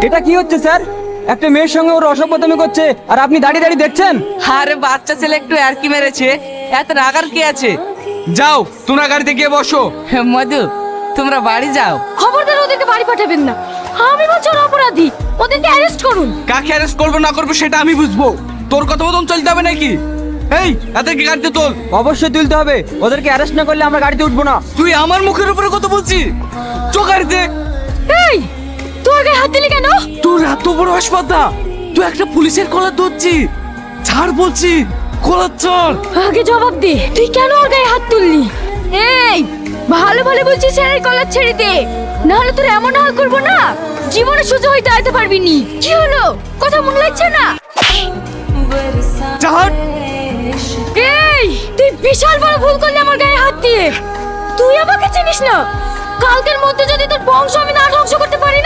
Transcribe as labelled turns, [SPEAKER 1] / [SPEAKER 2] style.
[SPEAKER 1] এটা কি হচ্ছে স্যার? একটা মেয়ের সঙ্গে ওর অসভ্যতামি করছে আর আপনি দাঁড়িয়ে দাঁড়িয়ে দেখছেন?
[SPEAKER 2] আরে বাচ্চা ছেলে একটু আরকি মেরেছে, এত রাগার কি আছে?
[SPEAKER 3] যাও তোমরা গাড়িতে গিয়ে বসো।
[SPEAKER 2] মধু, তোমরা বাড়ি যাও।
[SPEAKER 4] খবরদার ওদেরকে বাড়ি পাঠাবেন না। আমি বলছি ওরা অপরাধী, ওদেরকে অ্যারেস্ট করুন।
[SPEAKER 3] কাকে অ্যারেস্ট করবো না করবো সেটা আমি বুঝবো, তোর কথা মতন চলতে হবে নাকি? এই এদেরকে গাড়িতে তোল।
[SPEAKER 1] অবশ্যই তুলতে হবে, ওদেরকে অ্যারেস্ট না করলে আমরা গাড়িতে উঠবো না।
[SPEAKER 3] তুই আমার মুখের উপরে কথা বলছিস? চো গাড়িতে।
[SPEAKER 4] এই তোর গায়ে হাত দিলি কেন?
[SPEAKER 3] তোর এত বড় হাসপাতাল, তুই একটা পুলিশের কলার ধরছি? ছাড় বলছি, কলার ছাড়।
[SPEAKER 4] আগে জবাব দে, তুই কেন ওর গায়ে হাত তুললি? এই ভালো ভালো বলছি স্যারের কলার ছেড়ে দে, নাহলে তোর এমন হাল করবো না জীবনে সোজা হয়ে দাঁড়াতে পারবি নি। কি হলো, কথা মনে লাগছে না?
[SPEAKER 3] ছাড়।
[SPEAKER 4] এই তুই বিশাল বড় ভুল করলি আমার গায়ে হাত দিয়ে। তুই আমাকে চিনিস না, কালকের মধ্যে যদি তোর বংশ আমি না ধ্বংস করতে পারি